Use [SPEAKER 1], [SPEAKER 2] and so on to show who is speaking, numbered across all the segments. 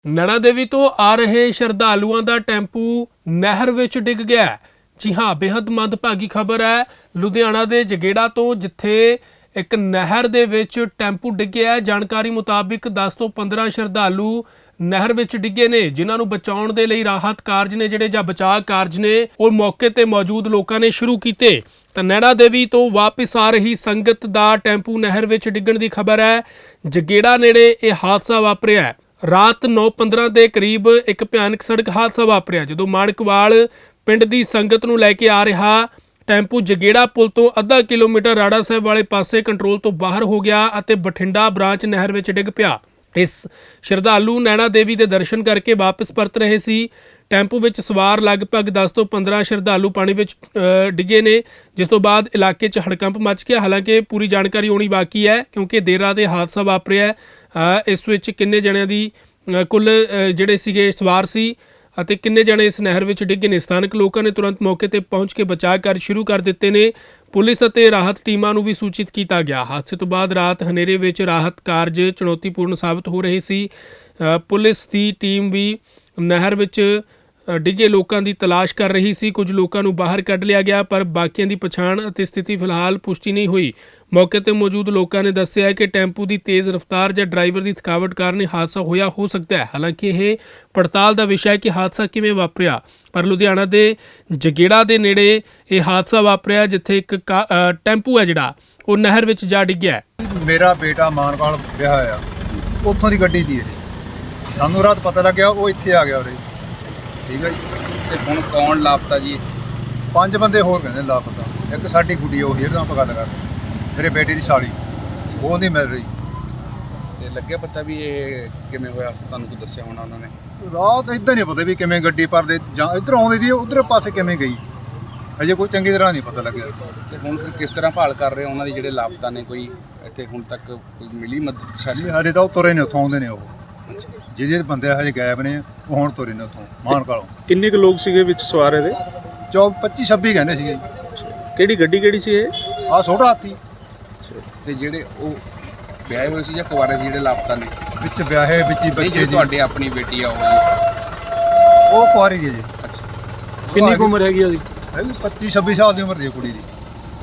[SPEAKER 1] ਨੈਣਾ ਦੇਵੀ ਤੋਂ ਆ ਰਹੇ ਸ਼ਰਧਾਲੂਆਂ ਦਾ ਟੈਂਪੂ ਨਹਿਰ ਵਿੱਚ ਡਿੱਗ ਗਿਆ ਹੈ। ਜੀ ਹਾਂ, ਬੇहद ਮੰਦਭਾਗੀ ਖਬਰ ਹੈ ਲੁਧਿਆਣਾ ਦੇ ਜਗੇੜਾ ਤੋਂ, ਜਿੱਥੇ ਇੱਕ ਨਹਿਰ ਦੇ ਵਿੱਚ ਟੈਂਪੂ ਡਿੱਗਿਆ। ਜਾਣਕਾਰੀ ਮੁਤਾਬਿਕ 10 ਤੋਂ 15 ਸ਼ਰਧਾਲੂ ਨਹਿਰ ਵਿੱਚ ਡਿੱਗੇ ਨੇ, ਜਿਨ੍ਹਾਂ ਨੂੰ ਬਚਾਉਣ ਦੇ ਲਈ ਰਾਹਤ ਕਾਰਜ ਨੇ ਜਿਹੜੇ ਜਾਂ ਬਚਾਅ ਕਾਰਜ ਨੇ ਉਹ ਮੌਕੇ ਤੇ ਮੌਜੂਦ ਲੋਕਾਂ ਨੇ ਸ਼ੁਰੂ ਕੀਤੇ। ਤਾਂ ਨੈਣਾ ਦੇਵੀ ਤੋਂ ਵਾਪਸ ਆ ਰਹੀ ਸੰਗਤ ਦਾ ਟੈਂਪੂ ਨਹਿਰ ਵਿੱਚ ਡਿੱਗਣ ਦੀ ਖਬਰ ਹੈ। ਜਗੇੜਾ ਨੇੜੇ ਇਹ ਹਾਦਸਾ ਵਾਪਰਿਆ ਹੈ। ਰਾਤ 9:15 ਦੇ ਕਰੀਬ ਇੱਕ ਭਿਆਨਕ ਸੜਕ ਹਾਦਸਾ ਵਾਪਰਿਆ, ਜਦੋਂ ਮਾਣਕਵਾਲ ਪਿੰਡ ਦੀ ਸੰਗਤ ਨੂੰ ਲੈ ਕੇ ਆ ਰਿਹਾ ਟੈਂਪੂ ਜਗੇੜਾ ਪੁਲ ਤੋਂ ਅੱਧਾ ਕਿਲੋਮੀਟਰ ਰਾੜਾ ਸਾਹਿਬ ਵਾਲੇ ਪਾਸੇ ਕੰਟਰੋਲ ਤੋਂ ਬਾਹਰ ਹੋ ਗਿਆ ਅਤੇ ਬਠਿੰਡਾ ਬ੍ਰਾਂਚ ਨਹਿਰ ਵਿੱਚ ਡਿੱਗ ਪਿਆ। ਇਸ ਸ਼ਰਧਾਲੂ ਨੈਣਾ ਦੇਵੀ ਦੇ ਦਰਸ਼ਨ ਕਰਕੇ ਵਾਪਸ ਪਰਤ ਰਹੇ ਸੀ। ਟੈਂਪੂ ਵਿੱਚ ਸਵਾਰ ਲਗਭਗ 10 ਤੋਂ 15 ਸ਼ਰਧਾਲੂ ਪਾਣੀ ਵਿੱਚ ਡਿੱਗੇ ਨੇ, ਜਿਸ ਤੋਂ ਬਾਅਦ ਇਲਾਕੇ 'ਚ ਹੜਕੰਪ ਮਚ ਗਿਆ। ਹਾਲਾਂਕਿ ਪੂਰੀ ਜਾਣਕਾਰੀ ਆਉਣੀ ਬਾਕੀ ਹੈ, ਕਿਉਂਕਿ ਦੇਰ ਰਾਤ ਇਹ ਹਾਦਸਾ ਵਾਪਰਿਆ। ਇਸ ਵਿੱਚ ਕਿੰਨੇ ਜਣਿਆਂ ਦੀ ਕੁੱਲ ਜਿਹੜੇ ਸੀਗੇ ਸਵਾਰ ਸੀ ਅਤੇ ਕਿੰਨੇ ਜਣੇ ਇਸ ਨਹਿਰ ਵਿੱਚ ਡਿੱਗੇ ਨੇ, ਸਥਾਨਕ ਲੋਕਾਂ ਨੇ ਤੁਰੰਤ ਮੌਕੇ ਤੇ ਪਹੁੰਚ ਕੇ ਬਚਾਅ ਕਾਰਜ ਸ਼ੁਰੂ ਕਰ ਦਿੱਤੇ ਨੇ। ਪੁਲਿਸ ਅਤੇ ਰਾਹਤ ਟੀਮਾਂ ਨੂੰ ਵੀ ਸੂਚਿਤ ਕੀਤਾ ਗਿਆ। ਹਾਦਸੇ ਤੋਂ ਬਾਅਦ ਰਾਤ ਹਨੇਰੇ ਵਿੱਚ ਰਾਹਤ ਕਾਰਜ ਚੁਣੌਤੀਪੂਰਨ ਸਾਬਤ ਹੋ ਰਹੇ ਸੀ। ਪੁਲਿਸ ਦੀ ਟੀਮ ਵੀ ਨਹਿਰ ਵਿੱਚ ਡਿੱਗੇ ਲੋਕਾਂ ਦੀ ਤਲਾਸ਼ ਕਰ ਰਹੀ ਸੀ। ਕੁਝ ਲੋਕਾਂ ਨੂੰ ਬਾਹਰ ਕੱਢ ਲਿਆ ਗਿਆ, ਪਰ ਬਾਕੀਆਂ ਦੀ ਪਛਾਣ ਅਤੇ ਸਥਿਤੀ ਫਿਲਹਾਲ ਪੁਸ਼ਟੀ ਨਹੀਂ ਹੋਈ। ਮੌਕੇ ਤੇ ਮੌਜੂਦ ਲੋਕਾਂ ਨੇ ਦੱਸਿਆ ਕਿ ਟੈਂਪੂ ਦੀ ਤੇਜ਼ ਰਫ਼ਤਾਰ ਜਾਂ ਡਰਾਈਵਰ ਦੀ ਥਕਾਵਟ ਕਾਰਨ ਹਾਦਸਾ ਹੋਇਆ ਹੋ ਸਕਦਾ ਹੈ। ਹਾਲਾਂਕਿ ਇਹ ਪੜਤਾਲ ਦਾ ਵਿਸ਼ਾ ਹੈ ਕਿ ਹਾਦਸਾ ਕਿਵੇਂ ਵਾਪਰਿਆ। ਪਰ ਲੁਧਿਆਣਾ ਦੇ ਜਗੇੜਾ ਦੇ ਨੇੜੇ ਇਹ ਹਾਦਸਾ ਵਾਪਰਿਆ, ਜਿੱਥੇ ਇੱਕ ਟੈਂਪੂ ਹੈ ਜਿਹੜਾ ਉਹ ਨਹਿਰ ਵਿੱਚ ਜਾ ਡਿੱਗਿਆ।
[SPEAKER 2] ਮੇਰਾ ਬੇਟਾ ਮਾਨਵਾਲ ਵਿਆਹ ਹੋਇਆ, ਉੱਥੋਂ ਦੀ ਗੱਡੀ ਦੀ ਸਾਨੂੰ ਰਾਤ ਪਤਾ ਲੱਗਿਆ, ਉਹ ਇੱਥੇ ਆ ਗਿਆ ਉਰੇ। ਠੀਕ ਹੈ ਜੀ।
[SPEAKER 3] ਤੇ ਹੁਣ ਕੌਣ ਲਾਪਤਾ ਜੀ?
[SPEAKER 2] 5 ਬੰਦੇ ਹੋਰ ਕਹਿੰਦੇ ਲਾਪਤਾ। ਇੱਕ ਸਾਡੀ ਗੁੱਡੀ ਉਹ ਜਿਹੜਾ ਆਪਾਂ ਗੱਲ ਕਰਦੇ, ਮੇਰੇ ਬੇਟੇ ਦੀ ਸਾਲੀ, ਉਹ ਨਹੀਂ ਮਿਲ ਰਹੀ।
[SPEAKER 3] ਤੇ ਲੱਗਿਆ ਪਤਾ ਵੀ ਇਹ ਕਿਵੇਂ ਹੋਇਆ? ਤੁਹਾਨੂੰ ਕੋਈ ਦੱਸਿਆ ਹੋਣਾ ਉਹਨਾਂ ਨੇ?
[SPEAKER 2] ਰਾਤ ਇੱਦਾਂ ਨਹੀਂ ਪਤਾ ਵੀ ਕਿਵੇਂ ਗੱਡੀ ਭਰਦੇ ਜਾਂ ਇੱਧਰ ਆਉਂਦੀ ਸੀ, ਉਧਰ ਪਾਸੇ ਕਿਵੇਂ ਗਈ, ਅਜੇ ਕੋਈ ਚੰਗੀ ਤਰ੍ਹਾਂ ਨਹੀਂ ਪਤਾ ਲੱਗਿਆ।
[SPEAKER 3] ਤੇ ਹੁਣ ਫਿਰ ਕਿਸ ਤਰ੍ਹਾਂ ਭਾਲ ਕਰ ਰਹੇ ਉਹਨਾਂ ਦੀ ਜਿਹੜੇ ਲਾਪਤਾ ਨੇ? ਕੋਈ ਇੱਥੇ ਹੁਣ ਤੱਕ ਕੋਈ ਮਿਲੀ ਮਦਦ?
[SPEAKER 2] ਸਾਡੇ ਤਾਂ ਉਹ ਤੁਰੇ ਨੇ, ਉੱਥੋਂ ਆਉਂਦੇ ਨੇ। ਉਹ ਜਿਹੜੇ ਬੰਦੇ ਹਜੇ ਗਾਇਬ ਨੇ, ਉਹ ਹੁਣ ਤੁਰੇ ਨੇ ਉੱਥੋਂ ਮਾਨਕਾਲੋਂ।
[SPEAKER 4] ਕਿੰਨੇ ਕੁ ਲੋਕ ਸੀਗੇ ਵਿੱਚ ਸਵਾਰ ਇਹਦੇ?
[SPEAKER 2] 25-26 ਕਹਿੰਦੇ ਸੀਗੇ।
[SPEAKER 4] ਕਿਹੜੀ ਗੱਡੀ ਕਿਹੜੀ ਸੀ ਇਹ?
[SPEAKER 2] ਆਹ ਛੋਟਾ ਹਾਥੀ।
[SPEAKER 3] ਤੇ ਜਿਹੜੇ ਉਹ ਵਿਆਹੇ ਹੋਏ ਸੀ ਜਾਂ ਕੁਆਰੇ ਸੀ ਜਿਹੜੇ ਲਾਪਤਾ ਨੇ?
[SPEAKER 2] ਵਿੱਚ ਵਿਆਹੇ ਵਿੱਚ ਹੀ ਬੱਚੇ ਜੀ।
[SPEAKER 3] ਤੁਹਾਡੀ ਆਪਣੀ ਬੇਟੀ ਆ ਉਹ ਜੀ?
[SPEAKER 2] ਉਹ ਕੁਆਰੀ ਜੀ।
[SPEAKER 3] ਅੱਛਾ,
[SPEAKER 4] ਕਿੰਨੀ ਕੁ ਉਮਰ ਹੈਗੀ ਉਹਦੀ?
[SPEAKER 2] 25-26 ਸਾਲ ਦੀ ਉਮਰ ਦੀ ਕੁੜੀ ਦੀ।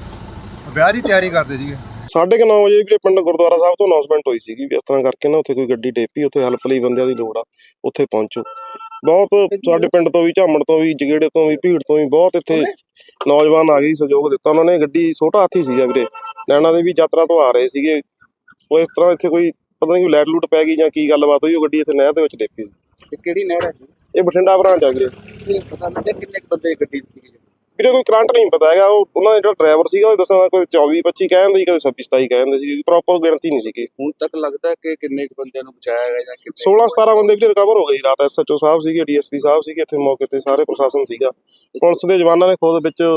[SPEAKER 2] ਵਿਆਹ ਦੀ ਤਿਆਰੀ ਕਰਦੇ ਸੀਗੇ।
[SPEAKER 5] 9:30 ਵਜੇ ਵੀਰੇ ਪਿੰਡ ਗੁਰਦੁਆਰਾ ਸਾਹਿਬ ਤੋਂ ਅਨਾਉਂਸਮੈਂਟ ਹੋਈ ਸੀਗੀ ਵੀ ਇਸ ਤਰ੍ਹਾਂ ਕਰਕੇ ਨਾ ਉੱਥੇ ਕੋਈ ਗੱਡੀ ਡੇਪੀ, ਉੱਥੇ ਹੈਲਪ ਲਈ ਬੰਦਿਆਂ ਦੀ ਲੋੜ ਆ, ਉੱਥੇ ਪਹੁੰਚੋ। ਬਹੁਤ ਸਾਡੇ ਪਿੰਡ ਤੋਂ ਵੀ, ਝਾਮਣ ਤੋਂ ਵੀ, ਜਗੇੜੇ ਤੋਂ ਵੀ, ਭੀੜ ਤੋਂ ਵੀ ਬਹੁਤ ਇੱਥੇ ਨੌਜਵਾਨ ਆ ਗਏ, ਸਹਿਯੋਗ ਦਿੱਤਾ ਉਹਨਾਂ ਨੇ। ਗੱਡੀ ਛੋਟਾ ਹਾਥੀ ਸੀਗਾ ਵੀਰੇ, ਨੈਣਾ ਦੇਵੀ ਯਾਤਰਾ ਤੋਂ ਆ ਰਹੇ ਸੀਗੇ। ਉਹ ਇਸ ਤਰ੍ਹਾਂ ਇੱਥੇ ਕੋਈ ਪਤਾ ਨਹੀਂ ਲਾਈਟ ਲੂਟ ਪੈ ਗਈ ਜਾਂ ਕੀ ਗੱਲਬਾਤ ਹੋਈ, ਉਹ ਗੱਡੀ ਇੱਥੇ ਨਹਿਰ ਦੇ ਵਿੱਚ ਡੇਪੀ ਸੀ।
[SPEAKER 3] ਤੇ ਕਿਹੜੀ ਨਹਿਰ ਹੈ?
[SPEAKER 5] ਇਹ ਬਠਿੰਡਾ ਬ੍ਰਾਂਚ ਆ ਵੀਰੇ।
[SPEAKER 3] ਇਹ ਪਤਾ ਲੱਗਿਆ ਕਿੰਨੇ ਬੰਦੇ ਗੱਡੀ ਸੀ?
[SPEAKER 5] ਵੀਰੇ ਕੋਈ ਕਰੰਟ ਨਹੀਂ ਪਤਾ ਹੈਗਾ। ਉਹਨਾਂ ਦਾ ਜਿਹੜਾ ਡਰਾਈਵਰ ਸੀਗਾ ਉਹ ਦੱਸਣਾ, ਕੋਈ 24-25 ਕਹਿੰਦੇ ਸੀ, ਕਦੇ 26-27 ਕਹਿੰਦੇ ਸੀ, ਪ੍ਰੋਪਰ ਗਿਣਤੀ ਨਹੀਂ ਸੀਗੀ।
[SPEAKER 3] ਹੁਣ ਤੱਕ ਲੱਗਦਾ ਕਿ ਕਿੰਨੇ ਬੰਦਿਆਂ ਨੂੰ ਬਚਾਇਆ ਗਿਆ ਜਾਂ
[SPEAKER 5] 16-17 ਬੰਦੇ ਵੀ ਰਿਕਵਰ ਹੋ ਗਏ ਰਾਤ। SHO ਸਾਹਿਬ ਸੀਗੇ, DSP ਸਾਹਿਬ ਸੀਗੇ ਇੱਥੇ ਮੌਕੇ ਤੇ, ਸਾਰੇ ਪ੍ਰਸ਼ਾਸਨ ਸੀਗਾ। ਪੁਲਿਸ ਦੇ ਜਵਾਨਾਂ ਨੇ ਖੁਦ ਵਿੱਚ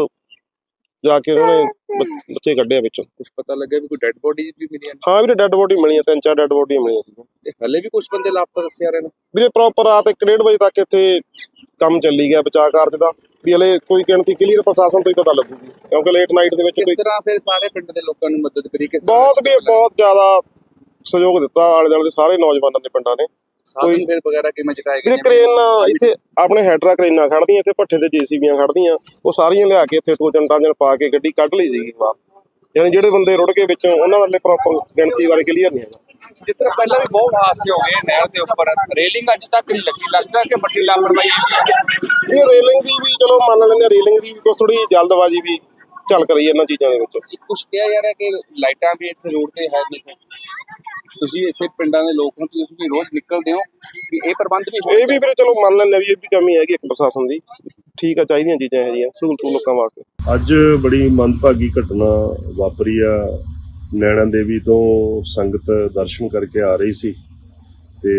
[SPEAKER 5] ਜਾ ਕੇ ਉਹਨਾਂ ਨੇ ਬੱਚੇ ਕੱਢਿਆ ਵਿੱਚੋਂ।
[SPEAKER 3] ਕੁਝ ਪਤਾ ਲੱਗਿਆ ਵੀ ਕੋਈ ਡੈੱਡ ਬੋਡੀ ਵੀ ਮਿਲੀਆਂ?
[SPEAKER 5] ਹਾਂ ਵੀਰੇ, ਡੈੱਡ ਬੋਡੀ ਮਿਲੀਆਂ, 3-4 ਡੈੱਡ ਬੋਡੀਆਂ ਮਿਲੀਆਂ ਸੀ।
[SPEAKER 3] ਤੇ ਹਲੇ ਵੀ ਕੁਝ ਬੰਦੇ ਲਾਪਤਾ ਦੱਸਿਆ ਰਹੇ ਨੇ
[SPEAKER 5] ਵੀਰੇ। ਪ੍ਰੋਪਰ ਰਾਤ 1-1:30 ਵਜੇ ਤੱਕ ਇੱਥੇ ਕੰਮ ਚੱਲੀ ਗਿਆ ਬਚਾਅ ਕਾਰਜ ਦਾ, ਵੀ ਹਲੇ ਕੋਈ ਗਿਣਤੀ ਕਲੀਅਰ ਪ੍ਰਸ਼ਾਸਨ ਤੋਂ ਹੀ ਪਤਾ ਲੱਗੂਗੀ, ਕਿਉਂਕਿ ਲੇਟ ਨਾਈਟ ਦੇ ਵਿੱਚ
[SPEAKER 3] ਕਿਸ ਤਰ੍ਹਾਂ ਫਿਰ ਸਾਰੇ ਪਿੰਡ ਦੇ ਲੋਕਾਂ ਨੂੰ ਮਦਦ ਕਰੀ?
[SPEAKER 5] ਬਹੁਤ ਜ਼ਿਆਦਾ ਸਹਿਯੋਗ ਦਿੱਤਾ ਆਲੇ ਦੁਆਲੇ ਦੇ ਸਾਰੇ ਨੌਜਵਾਨਾਂ ਨੇ, ਪਿੰਡਾਂ ਨੇ।
[SPEAKER 3] ਸਾਧਨ ਫਿਰ ਵਗੈਰਾ ਕਿਵੇਂ ਚੁਕਾਏ ਗਏ?
[SPEAKER 5] ਕ੍ਰੇਨ ਇੱਥੇ ਆਪਣੇ ਹੈਡਰਾ ਕ੍ਰੇਨਾਂ ਖੜਦੀਆਂ, ਇੱਥੇ ਭੱਠੇ ਤੇ JCBਆਂ ਖੜਦੀਆਂ, ਉਹ ਸਾਰੀਆਂ ਲਿਆ ਕੇ ਇੱਥੇ ਟੋਜਨ ਟਾਜਨ ਪਾ ਕੇ ਗੱਡੀ ਕੱਢ ਲਈ ਸੀਗੀ ਬਾਹਰ। ਯਾਨੀ ਜਿਹੜੇ ਬੰਦੇ ਰੁੜ ਗਏ ਵਿੱਚੋਂ, ਉਹਨਾਂ ਵਾਲੇ ਪ੍ਰੋਪਰ ਗਿਣਤੀ ਬਾਰੇ ਕਲੀਅਰ ਨਹੀਂ ਹੈਗਾ।
[SPEAKER 3] ਜਿਸ ਤਰ੍ਹਾਂ ਪਹਿਲਾਂ ਵੀ ਬਹੁਤ ਹਾਦਸੇ ਹੋ ਗਏ ਨਹਿਰ ਦੇ ਉੱਪਰ, ਰੇਲਿੰਗ ਅੱਜ ਤੱਕ ਨਹੀਂ ਲੱਗੀ, ਲੱਗਦਾ ਕਿ ਵੱਡੀ ਲਾਪਰਵਾਹੀ ਹੈ।
[SPEAKER 5] ਇਹ ਰੇਲਿੰਗ ਦੀ ਵੀ ਚਲੋ ਮੰਨ ਲੈਂਦੇ, ਰੇਲਿੰਗ ਦੀ ਵੀ ਕੁਛ ਥੋੜੀ ਜਲਦਬਾਜ਼ੀ ਵੀ ਝਲਕ ਰਹੀ ਹੈ ਇਹਨਾਂ ਚੀਜ਼ਾਂ ਦੇ ਵਿੱਚ।
[SPEAKER 3] ਕੁਛ ਕਿਹਾ ਜਾ ਰਿਹਾ ਕਿ ਲਾਈਟਾਂ ਵੀ ਇੱਥੇ ਰੋਡ ਤੇ ਹੈ ਨਹੀਂ। ਤੁਸੀਂ ਇਸੇ ਪਿੰਡਾਂ ਦੇ ਲੋਕ ਹੋ, ਤੁਸੀਂ ਵੀ ਰੋਜ਼ ਨਿਕਲਦੇ ਹੋ, ਵੀ ਇਹ ਪ੍ਰਬੰਧ ਵੀ
[SPEAKER 5] ਇਹ ਵੀ ਫਿਰ ਚਲੋ ਮੰਨ ਲੈਂਦੇ ਵੀ ਇਹ ਵੀ ਕਮੀ ਹੈਗੀ ਇੱਕ ਪ੍ਰਸ਼ਾਸਨ ਦੀ। ਠੀਕ ਆ, ਚਾਹੀਦੀਆਂ ਚੀਜ਼ਾਂ ਇਹ ਜਿਹੀਆਂ ਸਹੂਲਤ ਲੋਕਾਂ ਵਾਸਤੇ।
[SPEAKER 6] ਅੱਜ ਬੜੀ ਮੰਦਭਾਗੀ ਘਟਨਾ ਵਾਪਰੀ ਆ। ਨੈਣਾ ਦੇਵੀ ਤੋਂ ਸੰਗਤ ਦਰਸ਼ਨ ਕਰਕੇ ਆ ਰਹੀ ਸੀ ਤੇ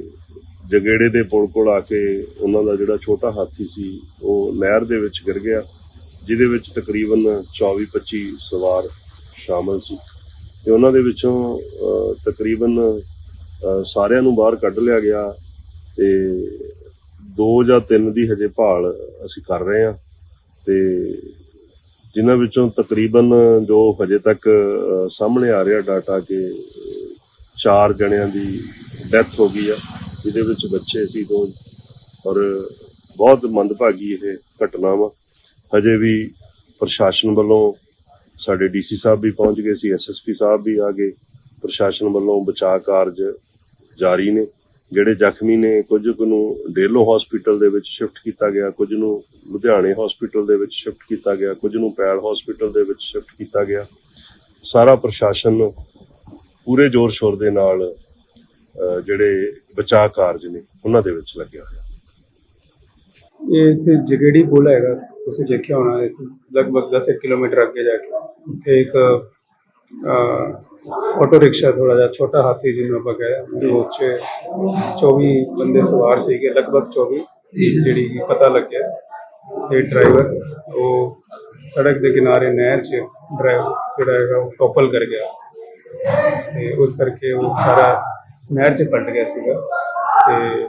[SPEAKER 6] ਜਗੇੜੇ ਦੇ ਪੁਲ ਕੋਲ ਆ ਕੇ ਉਹਨਾਂ ਦਾ ਜਿਹੜਾ ਛੋਟਾ ਹਾਥੀ ਸੀ ਉਹ ਨਹਿਰ ਦੇ ਵਿੱਚ ਗਿਰ ਗਿਆ, ਜਿਹਦੇ ਵਿੱਚ ਤਕਰੀਬਨ 24-25 ਸਵਾਰ ਸ਼ਾਮਲ ਸੀ। ਤੇ ਉਹਨਾਂ ਦੇ ਵਿੱਚੋਂ ਤਕਰੀਬਨ ਸਾਰਿਆਂ ਨੂੰ ਬਾਹਰ ਕੱਢ ਲਿਆ ਗਿਆ ਤੇ 2 ਜਾਂ 3 ਦੀ ਹਜੇ ਭਾਲ ਅਸੀਂ ਕਰ ਰਹੇ ਹਾਂ, ਤੇ ਜਿਨ੍ਹਾਂ ਵਿੱਚੋਂ ਤਕਰੀਬਨ ਜੋ ਹਜੇ ਤੱਕ ਸਾਹਮਣੇ ਆ ਰਿਹਾ ਡਾਟਾ ਕਿ 4 ਜਣਿਆਂ ਦੀ ਡੈਥ ਹੋ ਗਈ ਆ ਜਿਹਦੇ ਵਿੱਚ ਬੱਚੇ ਸੀ 2 ਔਰ ਬਹੁਤ ਮੰਦਭਾਗੀ ਇਹ ਘਟਨਾ ਵਾ। ਹਜੇ ਵੀ ਪ੍ਰਸ਼ਾਸਨ ਵੱਲੋਂ ਸਾਡੇ ਡੀਸੀ ਸਾਹਿਬ ਵੀ ਪਹੁੰਚ ਗਏ ਸੀ, ਐਸਐਸਪੀ ਸਾਹਿਬ ਵੀ ਆ ਗਏ। ਪ੍ਰਸ਼ਾਸਨ ਵੱਲੋਂ ਬਚਾਅ ਕਾਰਜ ਜਾਰੀ ਨੇ। ਜਿਹੜੇ ਜ਼ਖਮੀ ਨੇ ਕੁਝ ਕੁ ਨੂੰ ਡੇਲੋ ਹਸਪੀਟਲ ਦੇ ਵਿੱਚ ਸ਼ਿਫਟ ਕੀਤਾ ਗਿਆ, ਕੁਝ ਨੂੰ ਲੁਧਿਆਣੇ ਹਸਪੀਟਲ ਦੇ ਵਿੱਚ ਸ਼ਿਫਟ ਕੀਤਾ ਗਿਆ, ਕੁਝ ਨੂੰ ਪੈਲ ਹਸਪੀਟਲ ਦੇ ਵਿੱਚ ਸ਼ਿਫਟ ਕੀਤਾ ਗਿਆ। ਸਾਰਾ ਪ੍ਰਸ਼ਾਸਨ ਪੂਰੇ ਜ਼ੋਰ ਸ਼ੋਰ ਦੇ ਨਾਲ ਜਿਹੜੇ ਬਚਾਅ ਕਾਰਜ ਨੇ ਉਹਨਾਂ ਦੇ ਵਿੱਚ ਲੱਗਿਆ ਹੋਇਆ।
[SPEAKER 7] ਇਹ ਇੱਥੇ ਜਗੇੜੀ ਪੁਲ ਹੈਗਾ, ਤੁਸੀਂ ਦੇਖਿਆ ਹੋਣਾ। ਇੱਥੇ ਲਗਭਗ 10 ਕਿਲੋਮੀਟਰ ਅੱਗੇ ਜਾ ਕੇ ਉੱਥੇ ਇੱਕ ਆਟੋ ਰਿਕਸ਼ਾ, ਥੋੜਾ ਜਿਹਾ ਛੋਟਾ ਹਾਥੀ ਜਿਹਨੂੰ ਆਪਾਂ ਕਹਿੰਦੇ, ਉਹ 'ਚ 24 ਬੰਦੇ ਸਵਾਰ ਸੀਗੇ, ਲਗਭਗ 24 ਜਿਹੜੀ ਕਿ ਪਤਾ ਲੱਗਿਆ। ਤੇ ਡਰਾਈਵਰ ਉਹ ਸੜਕ ਦੇ ਕਿਨਾਰੇ ਨਹਿਰ 'ਚ ਡਰਾਈਵਰ ਜਿਹੜਾ ਹੈਗਾ ਉਹ ਟੋਪਲ ਕਰ ਗਿਆ ਤੇ ਉਸ ਕਰਕੇ ਉਹ ਸਾਰਾ ਨਹਿਰ 'ਚ ਪਲਟ ਗਿਆ ਸੀਗਾ। ਤੇ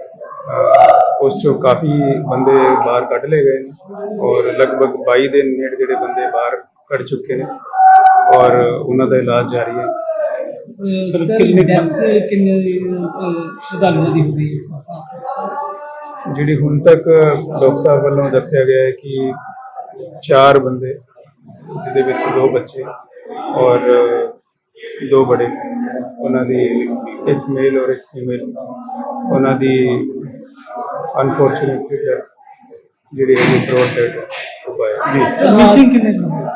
[SPEAKER 7] ਉਸ 'ਚੋਂ ਕਾਫੀ ਬੰਦੇ ਬਾਹਰ ਕੱਢ ਲਏ ਗਏ ਨੇ ਔਰ ਲਗਭਗ 22 ਦੇ ਨੇੜੇ ਜਿਹੜੇ ਬੰਦੇ ਬਾਹਰ ਕੱਢ ਚੁੱਕੇ ਨੇ ਔਰ ਉਹਨਾਂ ਦਾ ਇਲਾਜ ਜਾਰੀ ਹੈ।
[SPEAKER 8] ਸਰ ਕਿੰਨੇ ਸ਼ਰਧਾਲੂਆਂ ਦੀ ਹੋ ਗਈ ਇਸ
[SPEAKER 7] ਜਿਹੜੀ ਹੁਣ ਤੱਕ ਡਾਕਟਰ ਸਾਹਿਬ ਵੱਲੋਂ ਦੱਸਿਆ ਗਿਆ ਹੈ ਕਿ 4 ਬੰਦੇ, ਜਿਹਦੇ ਵਿੱਚ 2 ਬੱਚੇ ਔਰ 2 ਬੜੇ, ਉਹਨਾਂ ਦੀ ਇੱਕ ਮੇਲ ਔਰ ਇੱਕ ਫੀਮੇਲ, ਉਹਨਾਂ ਦੀ ਅਨਫੋਰਚੂਨੇਟਲੀ ਜਿਹੜੀ ਹੈ ਬਰੋਡ ਡੈਡ ਹੋ ਪਾਇਆ ਜੀ।
[SPEAKER 8] ਮਿਸਿੰਗ ਕਿੰਨੇ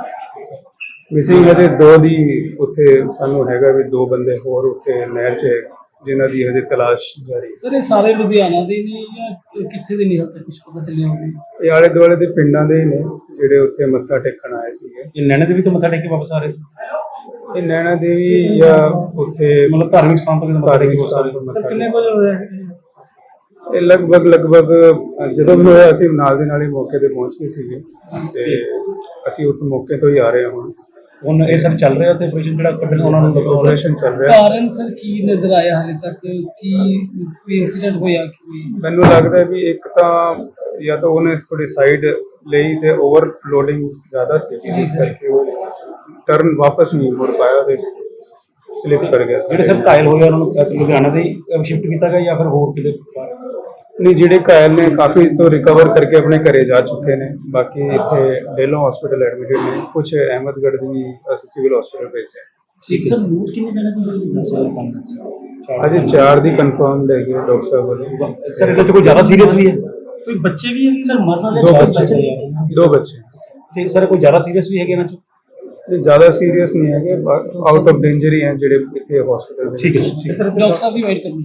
[SPEAKER 7] ਮਿਸਿੰਗ ਹਜੇ 2 ਦੀ ਉੱਥੇ ਸਾਨੂੰ ਹੈਗਾ ਵੀ 2 ਬੰਦੇ ਹੋਰ ਉੱਥੇ ਨਹਿਰ 'ਚ ਜਿਨ੍ਹਾਂ ਦੀ ਹਜੇ ਤਲਾਸ਼ ਜਾਰੀ ਹੈ।
[SPEAKER 8] ਸਰ ਇਹ ਸਾਰੇ ਲੁਧਿਆਣਾ ਦੇ ਨੇ ਜਾਂ ਕਿੱਥੇ ਦੇ ਨਹੀਂ ਕੁਝ ਪਤਾ ਚੱਲਿਆ ਹੋਵੇ?
[SPEAKER 7] ਇਹ ਆਲੇ ਦੁਆਲੇ ਦੇ ਪਿੰਡਾਂ ਦੇ ਹੀ ਨੇ ਜਿਹੜੇ ਉੱਥੇ ਮੱਥਾ ਟੇਕਣ ਆਏ ਸੀਗੇ।
[SPEAKER 4] ਇਹ ਨੈਣਾ ਦੇਵੀ ਤੋਂ ਮੱਥਾ ਟੇਕ ਕੇ ਵਾਪਸ ਆ ਰਹੇ ਸੀ?
[SPEAKER 7] ਇਹ ਨੈਣਾ ਦੇਵੀ ਜਾਂ ਉੱਥੇ
[SPEAKER 4] ਮਤਲਬ ਧਾਰਮਿਕ ਸਥਾਨ ਤੋਂ ਮੱਥਾ ਟੇਕ ਕੇ ਵਾਪਸ ਆ ਰਹੇ ਸੀ?
[SPEAKER 7] ਮੱਥਾ
[SPEAKER 8] ਕਿੰਨੇ ਵਜੇ ਹੋਇਆ
[SPEAKER 7] ਇਹ ਲਗਭਗ ਜਦੋਂ ਵੀ ਹੋਇਆ ਅਸੀਂ ਨਾਲ ਦੇ ਨਾਲ ਹੀ ਮੌਕੇ ਤੇ ਪਹੁੰਚ ਗਏ ਸੀਗੇ ਤੇ ਅਸੀਂ ਉੱਥੇ ਮੌਕੇ ਤੋਂ ਹੀ ਆ ਰਹੇ ਹਾਂ।
[SPEAKER 4] ਹੁਣ ਇਹ ਸਭ ਚੱਲ ਰਿਹਾ ਤੇ ਆਪਰੇਸ਼ਨ ਜਿਹੜਾ ਕੱਢਣ ਉਹਨਾਂ ਨੂੰ
[SPEAKER 7] ਆਪਰੇਸ਼ਨ ਚੱਲ ਰਿਹਾ।
[SPEAKER 8] ਕਾਰਨ ਸਰ ਕੀ ਨਜ਼ਰ ਆਇਆ ਹਾਲੇ ਤੱਕ? ਕੀ ਕੋਈ ਇਨਸੀਡੈਂਟ ਹੋਇਆ?
[SPEAKER 7] ਮੈਨੂੰ ਲੱਗਦਾ ਵੀ ਇੱਕ ਤਾਂ ਜਾਂ ਤਾਂ ਉਹਨੇ ਥੋੜੀ ਸਾਈਡ ਲਈ ਤੇ ਓਵਰਲੋਡਿੰਗ ਜ਼ਿਆਦਾ ਸੀ, ਜਿਸ ਕਰਕੇ ਉਹ ਟਰਨ ਵਾਪਸ ਨਹੀਂ ਮੁੜ ਪਾਇਆ ਤੇ ਸਲਿਪ ਕਰ ਗਿਆ।
[SPEAKER 4] ਜਿਹੜੇ ਸਭ ਘਾਇਲ ਹੋਏ ਉਹਨਾਂ ਨੂੰ ਲੁਧਿਆਣਾ ਦੇ ਸ਼ਿਫਟ ਕੀਤਾ ਗਿਆ ਜਾਂ ਫਿਰ ਹੋਰ ਕਿਤੇ?
[SPEAKER 7] ਨਹੀਂ, ਜਿਹੜੇ ਘਾਇਲ ਨੇ ਕਾਫੀ ਤੋਂ ਰਿਕਵਰ ਕਰਕੇ ਆਪਣੇ ਘਰੇ ਜਾ ਚੁੱਕੇ ਨੇ। ਬਾਕੀ ਇੱਥੇ ਡੇਲੋ ਹਸਪੀਟਲ ਐਡਮਿਟਡ ਨੇ, ਕੁਝ ਅਹਿਮਦਗੜ੍ਹ ਦੀ ਅਸੀਂ ਸਿਵਲ ਹਸਪੀਟਲ ਭੇਜਿਆ।
[SPEAKER 8] ਠੀਕ ਸਰ, ਮੂਡ ਕਿੰਨੇ ਜਣੇ ਦੀ?
[SPEAKER 7] ਅਜੇ 4 ਦੀ ਕਨਫਰਮਡ ਹੈਗੀ ਡਾਕਟਰ ਸਾਹਿਬ ਵੱਲੋਂ।
[SPEAKER 4] ਸਰ ਇਹਦੇ ਤੋਂ ਕੋਈ ਜ਼ਿਆਦਾ ਸੀਰੀਅਸ ਵੀ ਹੈ?
[SPEAKER 8] ਕੋਈ ਬੱਚੇ ਵੀ ਹੈ ਸਰ ਮਰਨ ਵਾਲੇ?
[SPEAKER 7] 2 ਬੱਚੇ
[SPEAKER 4] ਤੇ ਸਰ ਕੋਈ ਜ਼ਿਆਦਾ ਸੀਰੀਅਸ ਵੀ ਹੈਗੇ ਇਹਨਾਂ 'ਚ?
[SPEAKER 7] ਇਹ ਜ਼ਿਆਦਾ ਸੀਰੀਅਸ ਨਹੀਂ ਹੈਗੇ, ਆਊਟ ਆਫ ਡੇਂਜਰ ਹੀ ਹੈ ਜਿਹੜੇ ਇੱਥੇ ਹਸਪੀਟਲ ਦੇ।
[SPEAKER 4] ਠੀਕ ਹੈ।
[SPEAKER 8] ਡਾਕਟਰ ਸਾਹਿਬ ਵੀ ਵੇਟ ਕਰੋ।